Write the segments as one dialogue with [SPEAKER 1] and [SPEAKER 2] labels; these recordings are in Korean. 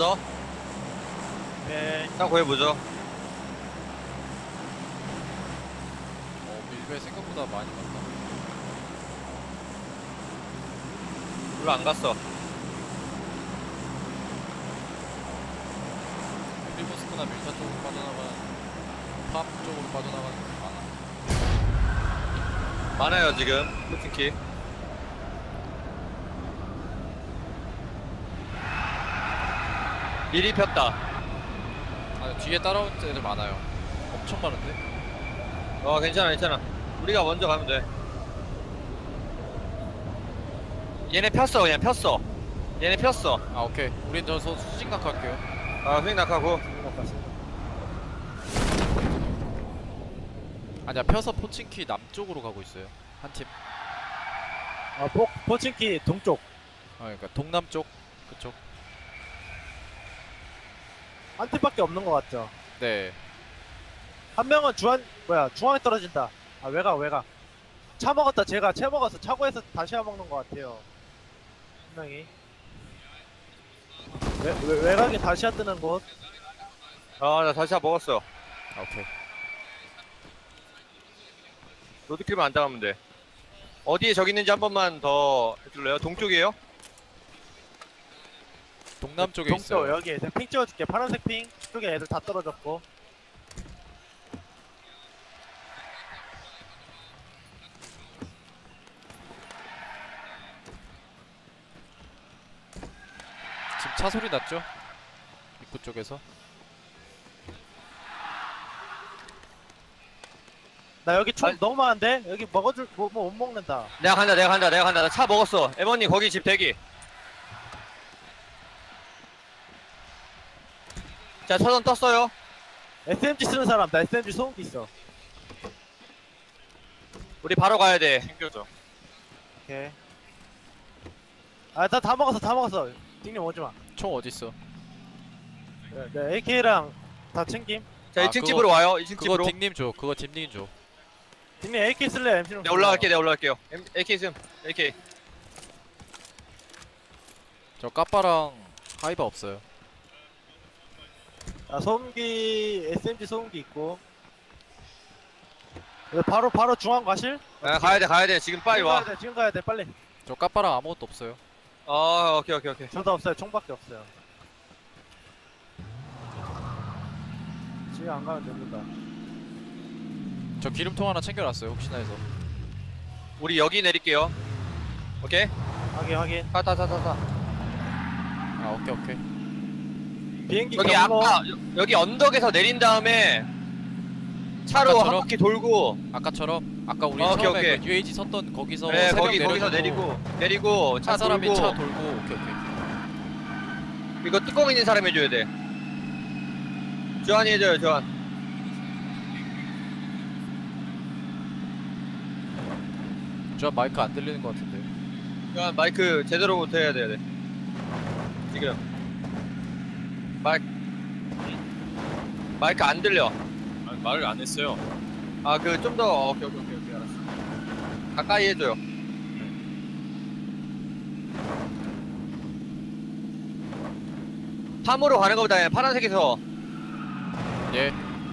[SPEAKER 1] 왔어.
[SPEAKER 2] 네.
[SPEAKER 1] 차 구해보죠.
[SPEAKER 3] 밀배 생각보다 많이 갔다.
[SPEAKER 1] 별로 안 갔어.
[SPEAKER 3] 리버스크나 밀타 쪽으로 빠져나가는, 팝 쪽으로 빠져나가는 게 많아.
[SPEAKER 1] 많아요 지금 포팅키. 미리 폈다.
[SPEAKER 3] 아, 뒤에 따라오는 애들 많아요. 엄청 많은데?
[SPEAKER 1] 괜찮아 괜찮아. 우리가 먼저 가면 돼. 얘네 폈어. 그냥 폈어. 얘네 폈어.
[SPEAKER 3] 아, 오케이. 우린 저 수진각 할게요.
[SPEAKER 1] 휙 낙하고.
[SPEAKER 3] 아니야, 펴서 포친키 남쪽으로 가고 있어요. 한 팀.
[SPEAKER 2] 포친키 동쪽.
[SPEAKER 3] 그러니까 동남쪽. 그쪽.
[SPEAKER 2] 한 팀밖에 없는 것 같죠.
[SPEAKER 3] 네.
[SPEAKER 2] 한 명은 중앙에 떨어진다. 아, 외곽. 차 먹었다. 제가 채 먹었어. 차고에서 다시 먹는 것 같아요. 한 명이. 외곽에 다시야 뜨는 곳.
[SPEAKER 1] 나 다시 먹었어.
[SPEAKER 3] 아, 오케이.
[SPEAKER 1] 로드킬만 안 당하면 돼. 어디에 적 있는지 한 번만 더 해줄래요? 동쪽이에요?
[SPEAKER 3] 동남쪽에
[SPEAKER 2] 동쪽
[SPEAKER 3] 있어요.
[SPEAKER 2] 여기 내가 핑 찍어줄게. 파란색 핑. 쪽에 애들 다 떨어졌고.
[SPEAKER 3] 지금 차 소리 났죠? 입구 쪽에서.
[SPEAKER 2] 나 여기 총
[SPEAKER 1] 아니-
[SPEAKER 2] 너무 많은데? 여기 먹어줄 뭐 못 먹는다.
[SPEAKER 1] 내가 간다. 나 차 먹었어. 에버님 거기 집 대기. 자, 차선 떴어요.
[SPEAKER 2] SMG 쓰는 사람. 나 SMG 소음기 있어.
[SPEAKER 1] 우리 바로 가야 돼.
[SPEAKER 4] 챙겨줘.
[SPEAKER 2] 오케이. 아, 나 다 먹었어. 띵님 오지 마.
[SPEAKER 3] 총 어딨어?
[SPEAKER 2] 네, AK랑 다 챙김.
[SPEAKER 1] 자,
[SPEAKER 3] 아,
[SPEAKER 1] 2층
[SPEAKER 3] 그거-
[SPEAKER 1] 집으로 와요. 2층
[SPEAKER 3] 그거
[SPEAKER 1] 집으로.
[SPEAKER 3] 딩님 줘. 그거 딩님 줘.
[SPEAKER 2] 띵님 AK 쓸래? MC로.
[SPEAKER 1] 내가 올라갈게요. AK 좀. AK.
[SPEAKER 3] 저 까빠랑 하이바 없어요.
[SPEAKER 2] 아, 소음기 SMG 소음기 있고. 바로 중앙 가실?
[SPEAKER 1] 가야 돼. 지금 빨리 와.
[SPEAKER 2] 지금 가야 돼 빨리.
[SPEAKER 3] 저 까빠랑 아무것도 없어요.
[SPEAKER 1] 오케이.
[SPEAKER 2] 저도 없어요. 총밖에 없어요. 지금 안 가면 됩니다.
[SPEAKER 3] 저 기름통 하나 챙겨놨어요. 혹시나 해서.
[SPEAKER 1] 우리 여기 내릴게요. 오케이?
[SPEAKER 2] 확인.
[SPEAKER 1] 타.
[SPEAKER 3] 아, 오케이.
[SPEAKER 2] 비행기
[SPEAKER 1] 여기
[SPEAKER 2] 경로.
[SPEAKER 1] 여기 언덕에서 내린 다음에 차로
[SPEAKER 3] 아까처럼?
[SPEAKER 1] 한 바퀴 돌고.
[SPEAKER 3] 아까처럼 아까 우리
[SPEAKER 1] 오케이,
[SPEAKER 3] 처음에
[SPEAKER 1] 오케이.
[SPEAKER 3] 그 UAG 섰던 거기서
[SPEAKER 1] 네,
[SPEAKER 3] 세명
[SPEAKER 1] 거기서 내리고 차
[SPEAKER 3] 한 사람이
[SPEAKER 1] 돌고.
[SPEAKER 3] 차 돌고. 오케이.
[SPEAKER 1] 이거 뚜껑 있는 사람 해줘야 돼. 조한이 해줘요, 조한.
[SPEAKER 3] 저 마이크 안 들리는 것 같은데.
[SPEAKER 1] 조한 마이크 제대로부터 해야 돼. 지금. 마이크 안 들려.
[SPEAKER 4] 아, 말을 안 했어요.
[SPEAKER 1] 좀 더. 오케이, 알았어. 가까이 해줘요. 팜으로 가는 것보다 파란색에서.
[SPEAKER 3] 예.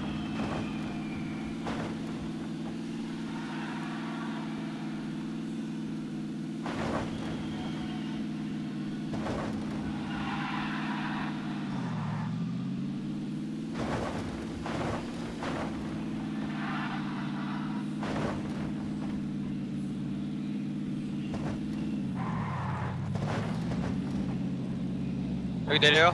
[SPEAKER 1] 여기 내려요.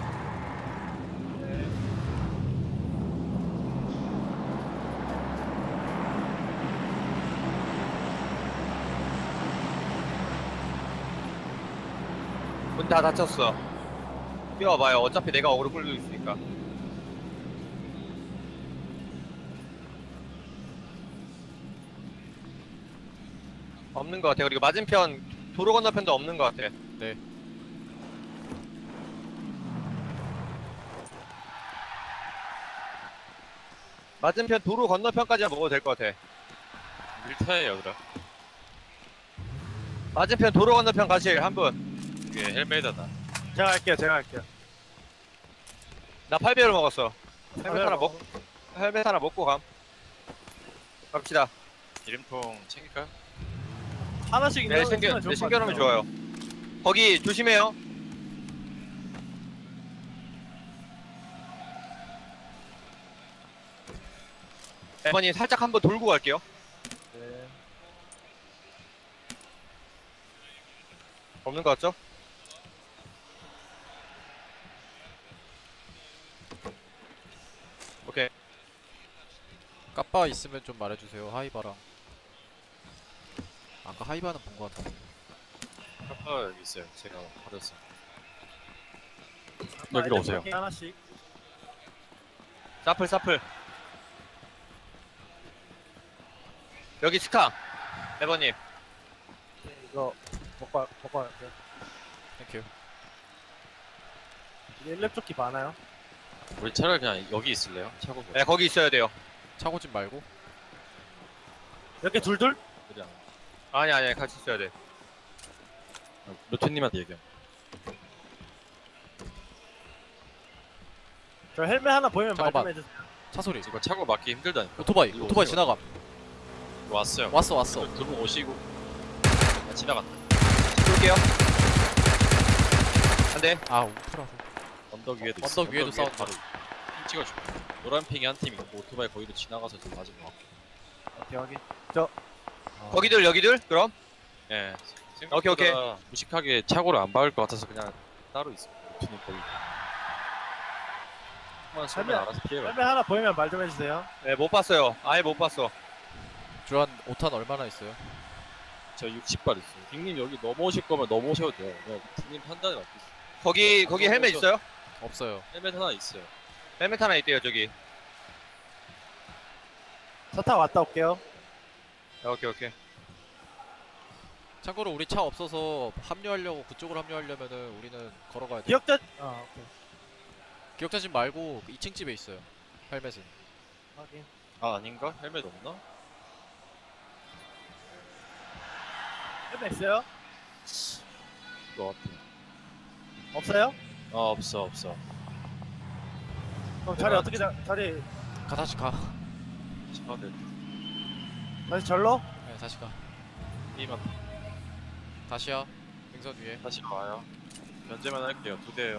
[SPEAKER 1] 문 다 닫혔어. 뛰어와봐요. 어차피 내가 어그로 끌고 있으니까. 없는 것 같아. 그리고 맞은편 도로 건너편도 없는 것 같아.
[SPEAKER 3] 네.
[SPEAKER 1] 맞은편 도로 건너편까지만 먹어도 될 것 같아.
[SPEAKER 4] 밀타예요, 그럼.
[SPEAKER 1] 맞은편 도로 건너편 가실 한 분.
[SPEAKER 4] 이게 헬메이다다.
[SPEAKER 2] 제가 갈게요.
[SPEAKER 1] 나 8배율 먹었어.
[SPEAKER 2] 아,
[SPEAKER 1] 헬멧 하나 먹고 감. 갑시다.
[SPEAKER 4] 기름통 챙길까요?
[SPEAKER 2] 하나씩
[SPEAKER 1] 네,
[SPEAKER 2] 있으면 좋을 것
[SPEAKER 1] 챙겨놓으면
[SPEAKER 2] 같아요.
[SPEAKER 1] 좋아요. 거기 조심해요. 에버님 살짝 한번 돌고 갈게요.
[SPEAKER 2] 네.
[SPEAKER 1] 없는 것 같죠? 오케이.
[SPEAKER 3] 까빠 있으면 좀 말해주세요. 하이바랑. 아까 하이바는 본 것 같아.
[SPEAKER 4] 카파 여기 있어요. 제가 버렸어요.
[SPEAKER 2] 아,
[SPEAKER 4] 여기로 오세요.
[SPEAKER 2] 이렇게 하나씩.
[SPEAKER 1] 사플. 여기 스카. 에버님.
[SPEAKER 2] 이거 먹고 갈게요.
[SPEAKER 3] 땡큐.
[SPEAKER 2] 이게 1렙 조끼 많아요?
[SPEAKER 4] 우리 차라리 그냥 여기 있을래요? 차고
[SPEAKER 1] 네, 거기 있어야 돼요.
[SPEAKER 3] 차고집 말고.
[SPEAKER 2] 이렇게 둘둘?
[SPEAKER 4] 그냥
[SPEAKER 1] 아니, 같이 있어야 돼.
[SPEAKER 4] 루트님한테 얘기해.
[SPEAKER 2] 저 헬멧 하나 보이면 말 좀
[SPEAKER 3] 잠깐만.
[SPEAKER 2] 해주세요.
[SPEAKER 3] 차 소리.
[SPEAKER 4] 이거 차고 막기 힘들다니까.
[SPEAKER 3] 오토바이.
[SPEAKER 4] 이거
[SPEAKER 3] 오토바이
[SPEAKER 4] 오세요.
[SPEAKER 3] 지나감.
[SPEAKER 4] 왔어요.
[SPEAKER 3] 왔어.
[SPEAKER 4] 두 분 오시고. 아, 지나갔다.
[SPEAKER 1] 쏠게요. 안 돼.
[SPEAKER 3] 아 우프라서.
[SPEAKER 4] 언덕 위에도
[SPEAKER 3] 언덕
[SPEAKER 4] 있어.
[SPEAKER 3] 위에도 싸운다.
[SPEAKER 4] 바로 핑 찍어줄게. 노란 핑이 한 팀 있고 오토바이 거기로 지나가서 지금 맞은 거 같고.
[SPEAKER 2] 오케이 확인.
[SPEAKER 3] 아,
[SPEAKER 1] 거기들 여기들 그럼.
[SPEAKER 4] 예.
[SPEAKER 1] 오케이, 오케이.
[SPEAKER 4] 생각보다 무식하게 차고를 안 박을 것 같아서 그냥 따로 있어. 루트님 거기. 한번 쏘면
[SPEAKER 2] 설명.
[SPEAKER 4] 알아서 피해가.
[SPEAKER 2] 헬멧 하나 보이면 말 좀 해주세요.
[SPEAKER 1] 네, 못 봤어요. 아예 못 봤어.
[SPEAKER 3] 주한 5탄 얼마나 있어요?
[SPEAKER 4] 저 60발 있어요. 빅님 여기 넘어오실 거면 넘어오셔도 돼요. 그냥 빅님 판단에 맡기세요.
[SPEAKER 1] 거기 헬멧 있어요?
[SPEAKER 3] 없어요.
[SPEAKER 4] 헬멧 하나 있어요.
[SPEAKER 1] 헬멧 하나 있대요 저기.
[SPEAKER 2] 차 타고 갔다 올게요.
[SPEAKER 1] 오케이.
[SPEAKER 3] 참고로 우리 차 없어서 합류하려고 그쪽으로 합류하려면은 우리는 걸어가야 돼.
[SPEAKER 2] 기억자. 오케이.
[SPEAKER 3] 기억자집 말고 2층 집에 있어요. 헬멧은.
[SPEAKER 2] 확인.
[SPEAKER 4] 아 아닌가? 헬멧 없나?
[SPEAKER 2] 헬멧 있어요?
[SPEAKER 4] 것 같아.
[SPEAKER 2] 없어요?
[SPEAKER 4] 없어.
[SPEAKER 2] 그럼 자리
[SPEAKER 4] 내가
[SPEAKER 2] 어떻게 자리
[SPEAKER 3] 다시 가.
[SPEAKER 4] 차들
[SPEAKER 2] 다시 절로?
[SPEAKER 3] 네, 다시 가.
[SPEAKER 4] 이만
[SPEAKER 3] 다시야. 능선 위에.
[SPEAKER 4] 다시 와요. 견제만 할게요. 2대예요.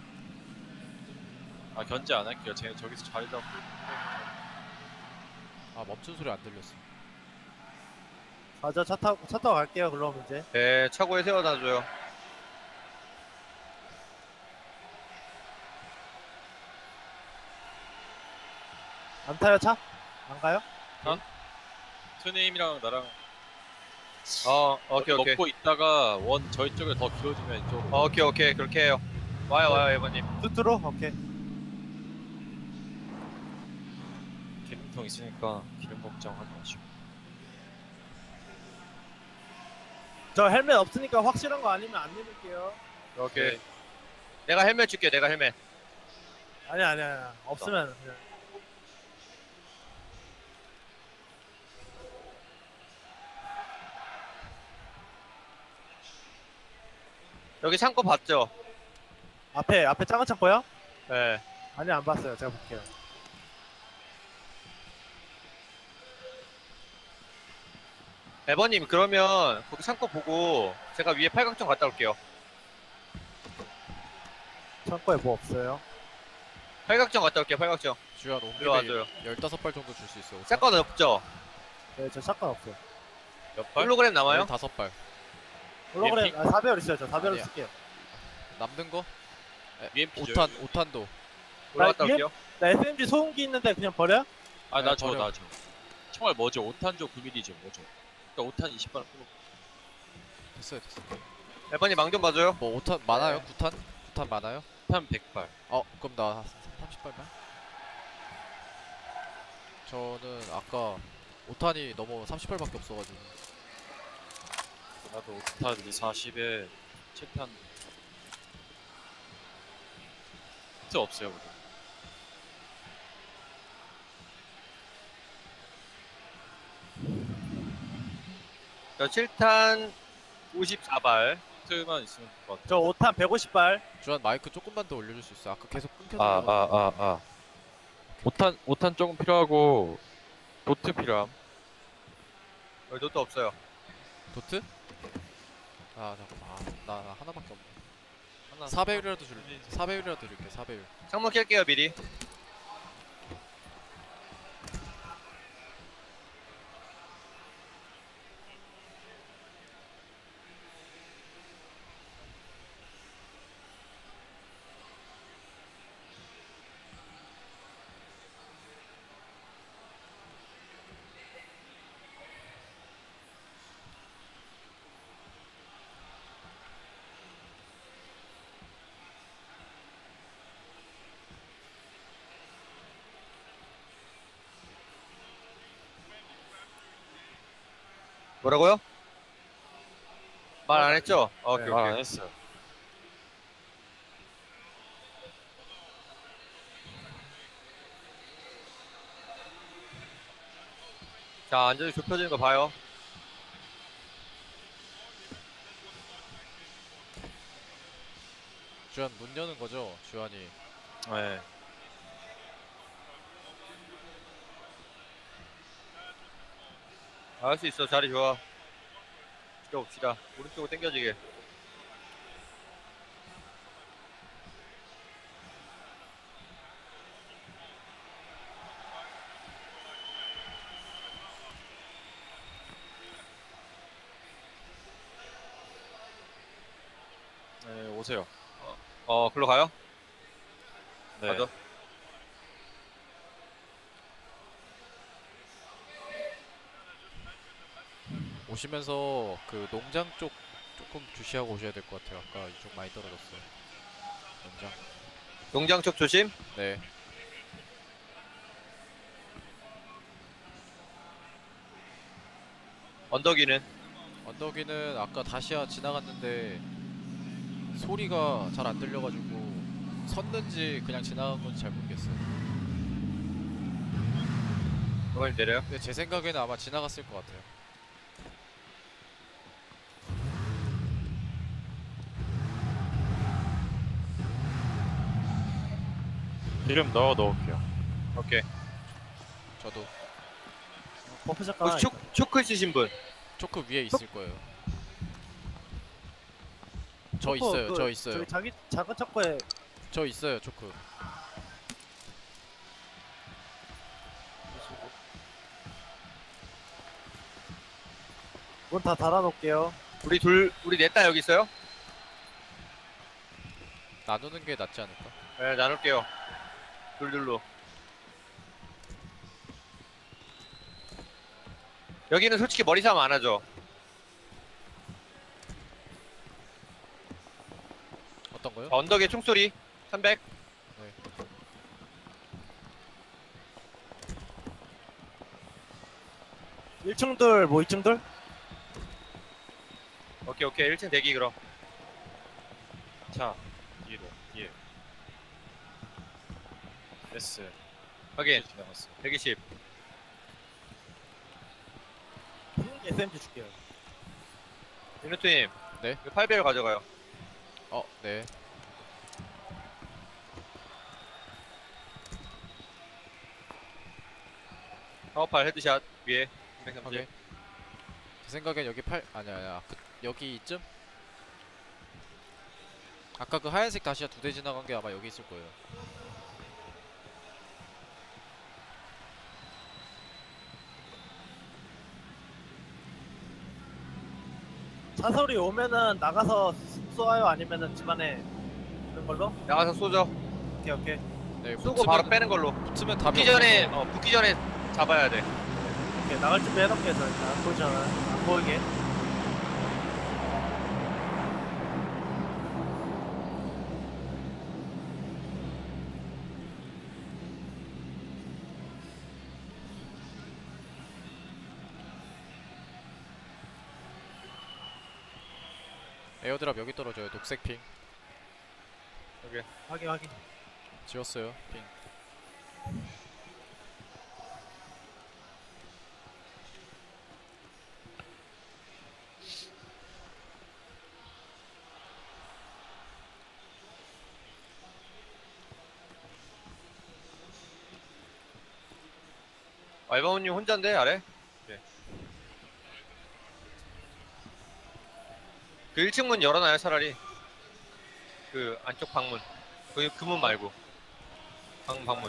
[SPEAKER 4] 아 견제 안 할게요. 쟤 저기서 자리 잡고.
[SPEAKER 3] 아 멈춘 소리 안 들렸어.
[SPEAKER 2] 맞아, 차 타고 갈게요. 그럼 이제.
[SPEAKER 1] 네, 차고에 세워다 줘요.
[SPEAKER 2] 안 타요, 차? 안 가요?
[SPEAKER 4] 투님이랑 나랑
[SPEAKER 1] 오케이.
[SPEAKER 4] 먹고 있다가 원 저희 쪽을 더 길어지면 이쪽으로.
[SPEAKER 1] 오케이. 그렇게 해요. 와요, 에버님.
[SPEAKER 2] 뚜뚜로? 오케이.
[SPEAKER 4] 기름통 있으니까 기름 걱정하지 마시고.
[SPEAKER 2] 저 헬멧 없으니까 확실한 거 아니면 안 내밀게요.
[SPEAKER 1] 오케이. 내가 헬멧 줄게. 내가 헬멧.
[SPEAKER 2] 아니야. 없으면 그냥.
[SPEAKER 1] 여기 창고 봤죠?
[SPEAKER 2] 앞에 작은 창고요?
[SPEAKER 1] 네.
[SPEAKER 2] 아니, 안 봤어요. 제가 볼게요.
[SPEAKER 1] 에버님 그러면 거기 창고 보고 제가 위에 팔각정 갔다 올게요.
[SPEAKER 2] 창고에 뭐 없어요?
[SPEAKER 1] 팔각정 갔다 올게요. 팔각정.
[SPEAKER 3] 주한
[SPEAKER 1] 일로 와줘요.
[SPEAKER 3] 옹립에 15발 정도 줄 수 있어.
[SPEAKER 1] 사건 없죠?
[SPEAKER 2] 네, 저 샷건 없어요.
[SPEAKER 4] 몇 발?
[SPEAKER 1] 홀로그램 남아요?
[SPEAKER 3] 15발.
[SPEAKER 2] 홀로그램, 4배열 있어요. 저 4배열
[SPEAKER 3] 아니야.
[SPEAKER 2] 쓸게요.
[SPEAKER 3] 남는 거?
[SPEAKER 4] UMP 죠.
[SPEAKER 3] 5탄도.
[SPEAKER 1] 올라갔다
[SPEAKER 2] 위에-
[SPEAKER 1] 올게요.
[SPEAKER 2] 나 SMG 소음기 있는데 그냥 버려?
[SPEAKER 4] 아나
[SPEAKER 3] 네,
[SPEAKER 4] 줘.
[SPEAKER 3] 버려.
[SPEAKER 4] 총알 뭐죠? 5탄조 9mm죠. 뭐죠? 그러니까 5탄 20발 뽑고.
[SPEAKER 3] 됐어.
[SPEAKER 1] 에버님 망 좀 봐줘요.
[SPEAKER 3] 뭐 5탄 많아요? 9탄? 9탄 많아요?
[SPEAKER 4] 5탄 100발.
[SPEAKER 3] 그럼 나 30발만? 저는 아까 5탄이 너무 30발밖에 없어가지고.
[SPEAKER 4] 나도 5탄 40에 7탄. 히트 없어요. 그거.
[SPEAKER 1] 저 7탄 54발.
[SPEAKER 4] 도트만 있으면 될 것 같아.
[SPEAKER 2] 저 5탄 150발.
[SPEAKER 3] 주한 마이크 조금만 더 올려줄 수 있어? 아까 계속 끊겨서
[SPEAKER 4] 아,
[SPEAKER 3] 그래가지고.
[SPEAKER 4] 아, 아, 아. 5탄 조금 필요하고, 도트 필요함.
[SPEAKER 1] 여기 도트 없어요.
[SPEAKER 3] 도트? 아 잠깐만 나 하나밖에 없네.
[SPEAKER 4] 하나.
[SPEAKER 3] 4배율이라도 줄게. 4배율이라도 줄게. 4배율.
[SPEAKER 1] 창문 켤게요 미리. 뭐라고요? 말 안 했죠? 오케이
[SPEAKER 4] 말 안
[SPEAKER 1] 오케이.
[SPEAKER 4] 했어요.
[SPEAKER 1] 자 안전이 좁혀지는 거 봐요.
[SPEAKER 3] 주한 문 여는 거죠? 주한이.
[SPEAKER 4] 네.
[SPEAKER 1] 할 수 있어. 자리 좋아. 지켜봅시다. 오른쪽으로 당겨지게.
[SPEAKER 4] 네, 오세요.
[SPEAKER 1] 글로 가요?
[SPEAKER 4] 네.
[SPEAKER 1] 가죠.
[SPEAKER 3] 오시면서 그 농장 쪽 조금 주시하고 오셔야 될 것 같아요. 아까 이쪽 많이 떨어졌어요. 농장.
[SPEAKER 1] 농장 쪽 조심.
[SPEAKER 3] 네.
[SPEAKER 1] 언덕이는
[SPEAKER 3] 언덕이는 아까 다시야 지나갔는데 소리가 잘 안 들려가지고 섰는지 그냥 지나간 건지 잘 모르겠어요.
[SPEAKER 1] 어머님 내려요.
[SPEAKER 3] 근데 제 생각에는 아마 지나갔을 것 같아요.
[SPEAKER 4] 기름 넣을게요.
[SPEAKER 1] 오케이.
[SPEAKER 3] 저도
[SPEAKER 2] 버프 잠깐.
[SPEAKER 1] 혹시 초크 있으신 분?
[SPEAKER 3] 초크 위에 있을 거예요. 저 있어요. 저 있어요.
[SPEAKER 2] 저기 자기 작은 창고에
[SPEAKER 3] 저 있어요. 초크.
[SPEAKER 2] 문 다 닫아놓을게요.
[SPEAKER 1] 우리 넷다 여기 있어요?
[SPEAKER 3] 나누는 게 낫지 않을까?
[SPEAKER 1] 네, 나눌게요. 둘둘로. 여기는 솔직히 머리 싸움 안 하죠.
[SPEAKER 3] 어떤 거요?
[SPEAKER 1] 언덕에 총소리 300.
[SPEAKER 3] 네.
[SPEAKER 2] 1층들 뭐 2층들?
[SPEAKER 1] 오케이 오케이 1층 대기 그럼.
[SPEAKER 4] 자, 뒤로, 뒤에. S.
[SPEAKER 1] 확인.
[SPEAKER 4] 지나갔어.
[SPEAKER 1] 120.
[SPEAKER 2] SMG 줄게요.
[SPEAKER 1] 윤호트님.
[SPEAKER 3] 네.
[SPEAKER 1] 8배율 가져가요.
[SPEAKER 3] 네.
[SPEAKER 1] 사업팔 헤드샷 위에 330.
[SPEAKER 3] 오케이. 제 생각엔 여기 아니야. 여기 이쯤? 아까 그 하얀색 다시야 2대 지나간 게 아마 여기 있을 거예요.
[SPEAKER 2] 차소리 오면은 나가서 쏘아요 아니면은 집안에 있는 걸로?
[SPEAKER 1] 나가서 쏘죠.
[SPEAKER 2] 오케이 오케이.
[SPEAKER 3] 네,
[SPEAKER 1] 쏘고 바로 빼는 걸로.
[SPEAKER 3] 붙으면 답이
[SPEAKER 1] 붙기 전에
[SPEAKER 3] 없어서.
[SPEAKER 1] 붙기 전에 잡아야 돼.
[SPEAKER 2] 오케이 나갈 준비 해놓을게요. 저 일단 안 보이잖아. 안 보이게.
[SPEAKER 3] 에어드랍 여기 떨어져요. 녹색 핑.
[SPEAKER 2] 확인 확인.
[SPEAKER 3] 지웠어요. 핑.
[SPEAKER 1] 말바오님 혼자인데 아래? 네. 그 1층 문 열어놔요 차라리. 그 안쪽 방문. 그 문 말고. 방문.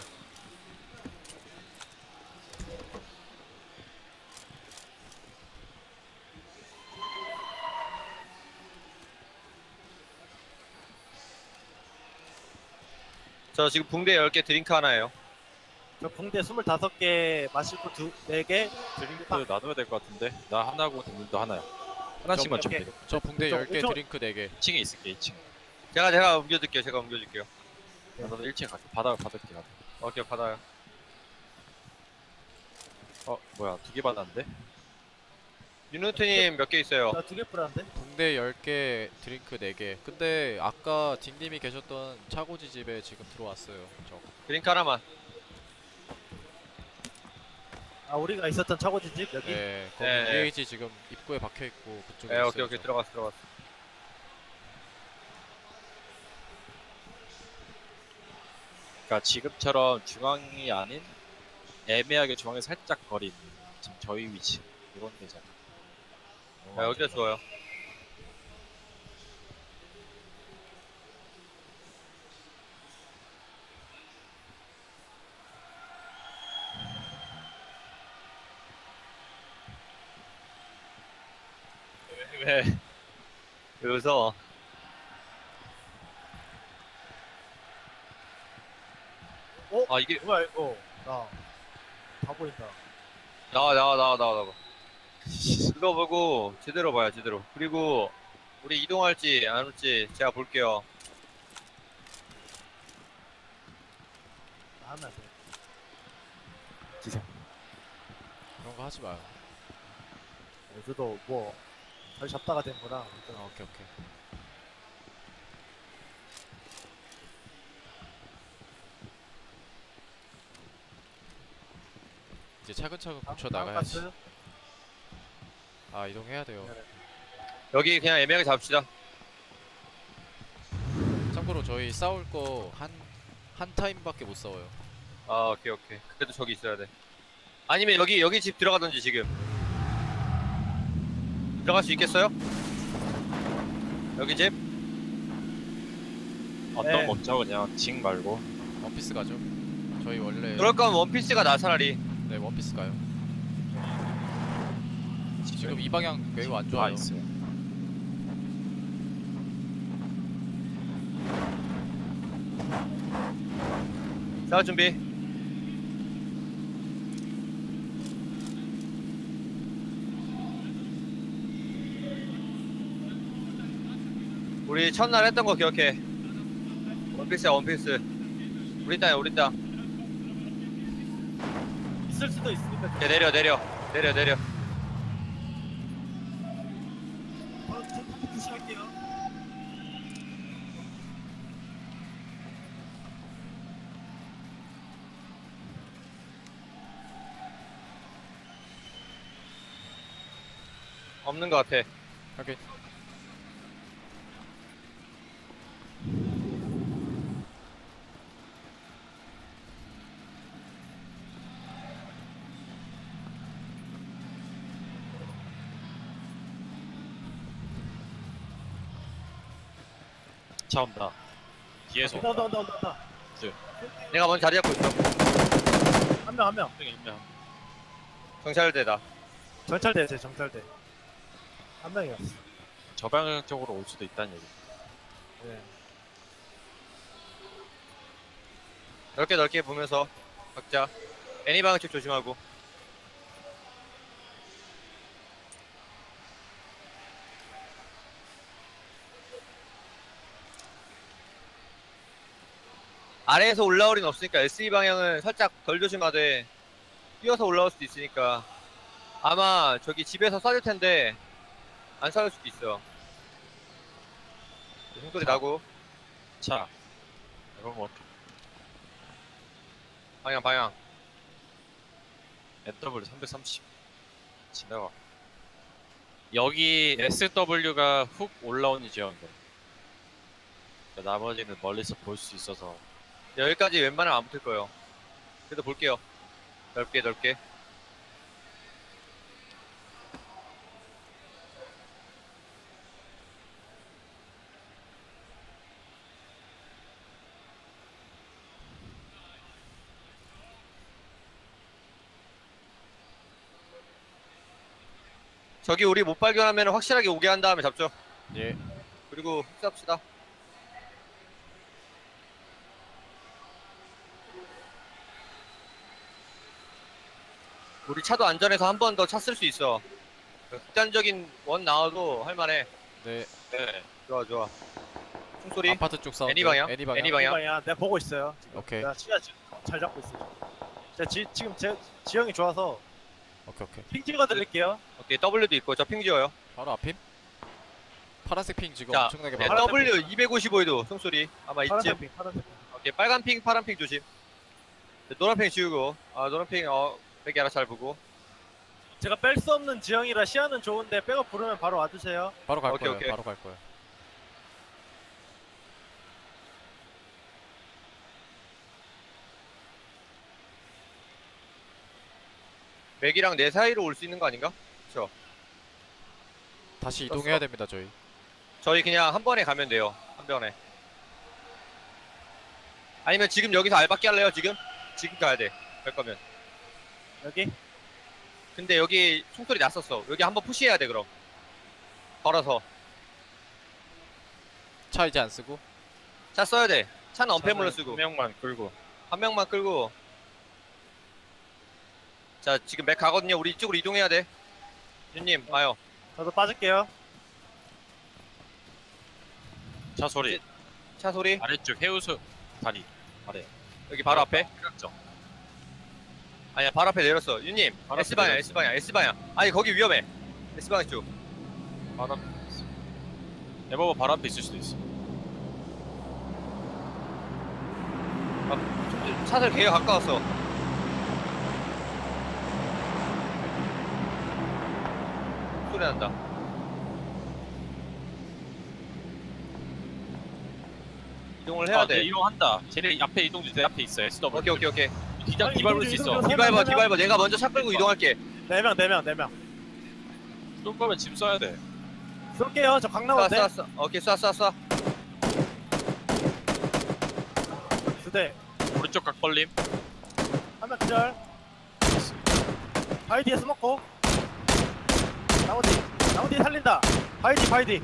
[SPEAKER 1] 저 지금 붕대 10개 드링크 하나예요.
[SPEAKER 2] 저 붕대 25개 마시고 4개.
[SPEAKER 4] 드링크 나눠야 될 것 같은데. 나 하나고 님도 하나요. 하나씩만
[SPEAKER 2] 저
[SPEAKER 4] 좀
[SPEAKER 2] 몇
[SPEAKER 4] 드려.
[SPEAKER 3] 저 붕대
[SPEAKER 2] 저
[SPEAKER 3] 10개
[SPEAKER 2] 엄청-
[SPEAKER 3] 드링크 4개.
[SPEAKER 4] 2층에 있을게 2층.
[SPEAKER 1] 제가 옮겨줄게요. 제가 옮겨줄게요.
[SPEAKER 4] 나도 1층 갈게. 바닥을 받을게. 나도.
[SPEAKER 1] 오케이 받아요.
[SPEAKER 4] 뭐야 2개 받았는데?
[SPEAKER 1] 윤호트님 몇 개 있어요?
[SPEAKER 2] 나 2개 뿌렸는데?
[SPEAKER 3] 붕대 10개 드링크 4개. 근데 아까 딩님이 계셨던 차고지 집에 지금 들어왔어요. 저.
[SPEAKER 1] 드링크 하나만.
[SPEAKER 2] 아 우리가 있었던 차고지집 여기?
[SPEAKER 3] 네, 거기
[SPEAKER 1] 네.
[SPEAKER 3] EAG 지금 입구에 박혀 있고 그쪽에
[SPEAKER 1] 네,
[SPEAKER 3] 있어요.
[SPEAKER 1] 오케이
[SPEAKER 3] 저.
[SPEAKER 1] 들어갔어.
[SPEAKER 4] 그러니까 지금처럼 중앙이 아닌 애매하게 중앙에 살짝 거린 지금 저희 위치 이런 데잖아.
[SPEAKER 1] 네, 여기가 좋아요. 왜? 왜 웃어? 아 이게
[SPEAKER 2] 뭐야 이거? 나 다 보인다.
[SPEAKER 1] 나와. 그거 보고 제대로 봐요 제대로. 그리고 우리 이동할지 안 올지 제가 볼게요.
[SPEAKER 2] 나 하면 안 돼.
[SPEAKER 3] 그런 거 하지 마요.
[SPEAKER 2] 저도 뭐 잘 잡다가 된 거라.
[SPEAKER 3] 오케이. 이제 차근차근 고쳐 나가야지. 아 이동해야 돼요.
[SPEAKER 1] 여기 그냥 애매하게 잡읍시다.
[SPEAKER 3] 참고로 저희 싸울 거 한 타임밖에 못 싸워요.
[SPEAKER 1] 아 오케이. 그래도 저기 있어야 돼. 아니면 여기 집 들어가든지 지금. 들어갈 수 있겠어요? 여기 집?
[SPEAKER 4] 어떤
[SPEAKER 2] 네.
[SPEAKER 4] 먹죠 그냥 징 말고.
[SPEAKER 3] 원피스 가죠. 저희 원래
[SPEAKER 1] 그럴 거면 원피스가 나 차라리.
[SPEAKER 3] 네 원피스 가요. 지금 이 방향 매우 안
[SPEAKER 4] 다
[SPEAKER 3] 좋아요.
[SPEAKER 4] 있어요.
[SPEAKER 1] 자 준비. 우리 첫날 했던 거 기억해. 원피스야 원피스. 우리 땅이야 우리 땅.
[SPEAKER 2] 있을 수도 있으니까.
[SPEAKER 1] 이제 내려.
[SPEAKER 2] 푸시할게요.
[SPEAKER 1] 없는 거 같아.
[SPEAKER 3] 오케이.
[SPEAKER 4] 차 온다. 뒤에서 온다.
[SPEAKER 2] 온다.
[SPEAKER 1] 내가 먼저 자리 잡고 있어.
[SPEAKER 2] 한 명.
[SPEAKER 1] 경찰대다.
[SPEAKER 2] 정찰대 정찰대. 한 명이었어.
[SPEAKER 4] 저 방향 쪽으로 올 수도 있다는 얘기.
[SPEAKER 2] 네.
[SPEAKER 1] 넓게 보면서 각자 애니 방향쪽 조심하고. 아래에서 올라올 리는 없으니까 SE 방향은 살짝 덜 조심하되 뛰어서 올라올 수도 있으니까 아마 저기 집에서 쏴줄 텐데 안 쏴줄 수도 있어. 총소리 나고
[SPEAKER 4] 차. 이건 뭐
[SPEAKER 1] 방향
[SPEAKER 4] NW 330 지나가. 여기 SW가 훅 올라오는 지역인데. 그러니까 나머지는 멀리서 볼 수 있어서.
[SPEAKER 1] 여기까지 웬만하면 안 붙을 거예요. 그래도 볼게요. 넓게 저기 우리 못 발견하면 확실하게 오게 한 다음에 잡죠.
[SPEAKER 3] 예.
[SPEAKER 1] 그리고 흡수합시다. 우리 차도 안전해서 한 번 더 차 쓸 수 있어. 극단적인 원 나와도 할만해.
[SPEAKER 3] 네.
[SPEAKER 4] 네.
[SPEAKER 1] 좋아 좋아. 총소리.
[SPEAKER 3] 아파트 쪽 사운드.
[SPEAKER 1] 애니 방향.
[SPEAKER 3] 애니 방향.
[SPEAKER 1] 애니 방향.
[SPEAKER 2] 방향 내가 보고 있어요. 지금.
[SPEAKER 3] 오케이.
[SPEAKER 2] 내가 시야 잘 잡고 있어요. 지금 제 지형이 좋아서
[SPEAKER 3] 오케이 오케이.
[SPEAKER 2] 핑 찍어 드릴게요.
[SPEAKER 1] 오케이 W도 있고 저 핑 지어요.
[SPEAKER 3] 바로 앞임. 파란색 핑 지금
[SPEAKER 1] 자,
[SPEAKER 3] 엄청나게
[SPEAKER 1] 네,
[SPEAKER 3] 많아.
[SPEAKER 1] W 255에도 총소리 아마
[SPEAKER 2] 파란색
[SPEAKER 1] 있지.
[SPEAKER 2] 핑, 파란색 핑.
[SPEAKER 1] 오케이 빨간 핑 파란 핑 조심. 네, 노란 핑 지우고 노란 핑 빼기 하나 잘 보고.
[SPEAKER 2] 제가 뺄 수 없는 지형이라 시야는 좋은데 백업 부르면 바로 와주세요.
[SPEAKER 3] 바로 갈
[SPEAKER 1] 오케이,
[SPEAKER 3] 거예요.
[SPEAKER 1] 오케이.
[SPEAKER 3] 바로 갈 거예요.
[SPEAKER 1] 맥이랑 내 사이로 올 수 있는 거 아닌가? 그쵸.
[SPEAKER 3] 다시 이동해야 됩니다 저희.
[SPEAKER 1] 저희 그냥 한 번에 가면 돼요. 한 번에. 아니면 지금 여기서 알바끼 할래요? 지금 가야 돼. 갈 거면.
[SPEAKER 2] 여기
[SPEAKER 1] 근데 여기 총소리 났었어. 여기 한번 푸시해야 돼 그럼. 걸어서.
[SPEAKER 3] 차 이제 안 쓰고.
[SPEAKER 1] 차 써야 돼. 차는 언패물로 쓰고.
[SPEAKER 4] 한 명만 끌고.
[SPEAKER 1] 한 명만 끌고. 자 지금 맥 가거든요. 우리 이쪽으로 이동해야 돼. 윤님 와요.
[SPEAKER 2] 저도 빠질게요.
[SPEAKER 4] 차 소리.
[SPEAKER 1] 차 소리.
[SPEAKER 4] 아래쪽 해우소 다리. 아래.
[SPEAKER 1] 여기 바로 앞에.
[SPEAKER 4] 깍정.
[SPEAKER 1] 아니야 바로 앞에 내렸어. 윤님
[SPEAKER 4] 바로 앞에
[SPEAKER 1] S방향
[SPEAKER 4] 내렸어.
[SPEAKER 1] S방향 S방향. 아니 거기 위험해. S방향 쪽.
[SPEAKER 4] 바로 앞에 있어. 에버버 바로 앞에 있을 수도 있어.
[SPEAKER 1] 차들 개가 가까웠어. 소리 난다. 이동을 해야 돼.
[SPEAKER 4] 이동한다. 쟤네 앞에 이동도 내 앞에 있어. SW.
[SPEAKER 1] 오케이.
[SPEAKER 4] 뒤장 뒤밟을 수 있어.
[SPEAKER 2] 이동.
[SPEAKER 1] 디발버. 내가 먼저 차 끌고 이동할게.
[SPEAKER 2] 4명.
[SPEAKER 4] 쏠 거면 짐 써야 돼.
[SPEAKER 2] 쏠게요. 저 강남한테.
[SPEAKER 1] 쏴. 오케이 쏴.
[SPEAKER 2] 두 대.
[SPEAKER 4] 오른쪽 각 벌림.
[SPEAKER 2] 한명 기절. 바이디에 스모코. 나무 뒤에 살린다. 바이디.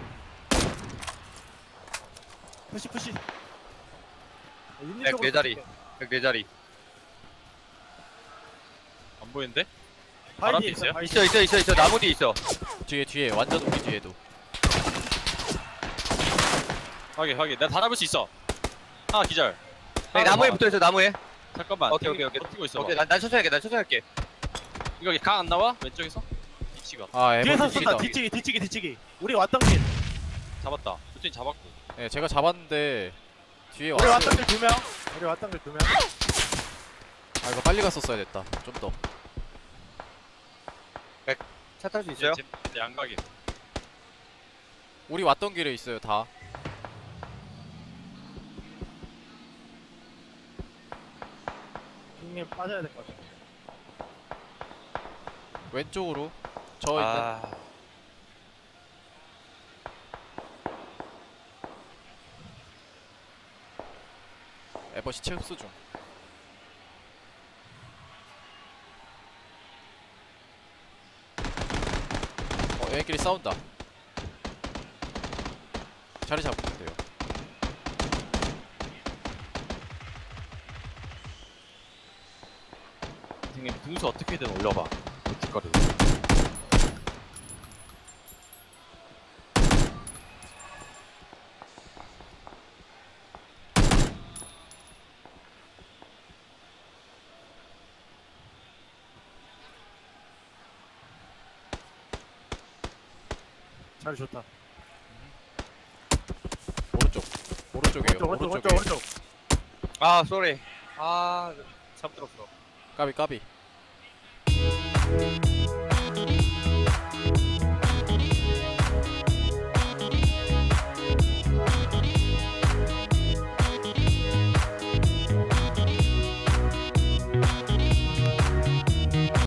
[SPEAKER 2] 푸시. 윤님
[SPEAKER 1] 백
[SPEAKER 2] 쪽으로
[SPEAKER 1] 네 자리.
[SPEAKER 2] 쏠게.
[SPEAKER 1] 내 자리.
[SPEAKER 4] 안 보이는데?
[SPEAKER 2] 바이디
[SPEAKER 4] 있어요?
[SPEAKER 2] 바이디.
[SPEAKER 1] 있어. 나무 뒤에 있어.
[SPEAKER 3] 뒤에 완전 우리 뒤에도.
[SPEAKER 4] 확인. 내가 다 잡을 수 있어. 하나 기절.
[SPEAKER 1] 네, 나무에 붙어 있어. 나무에.
[SPEAKER 4] 잠깐만.
[SPEAKER 1] 오케이.
[SPEAKER 4] 버티고 있어.
[SPEAKER 1] 오케이. 난 천천히 할게.
[SPEAKER 4] 이거 강 안 나와? 왼쪽에서? 위치가
[SPEAKER 3] 아
[SPEAKER 2] 뒤에서
[SPEAKER 3] 에버
[SPEAKER 2] 쏜다.
[SPEAKER 3] 뒤치다.
[SPEAKER 2] 뒤치기. 우리 왔던 길.
[SPEAKER 4] 잡았다. 수진 잡았고.
[SPEAKER 3] 네 제가 잡았는데 뒤에
[SPEAKER 2] 우리
[SPEAKER 3] 왔어요.
[SPEAKER 2] 왔던 길 2명.
[SPEAKER 3] 아 이거 빨리 갔었어야 됐다. 좀 더.
[SPEAKER 1] 차 탈 수 있어요?
[SPEAKER 4] 제 양각이.
[SPEAKER 3] 우리 왔던 길에 있어요 다.
[SPEAKER 2] 형님 빠져야 될 것 같아.
[SPEAKER 3] 왼쪽으로 저 있는.
[SPEAKER 4] 아.
[SPEAKER 3] 에버 시체 흡수 중. 얘네끼리 싸운다. 자리 잡으면 돼요.
[SPEAKER 4] 형님 등수 어떻게든 올려봐. 뒷거리.
[SPEAKER 2] 자리 좋다.
[SPEAKER 3] 오른쪽이에요.
[SPEAKER 2] 오른쪽.
[SPEAKER 1] 아 쏘리. 잘못 들었어.
[SPEAKER 3] 까비.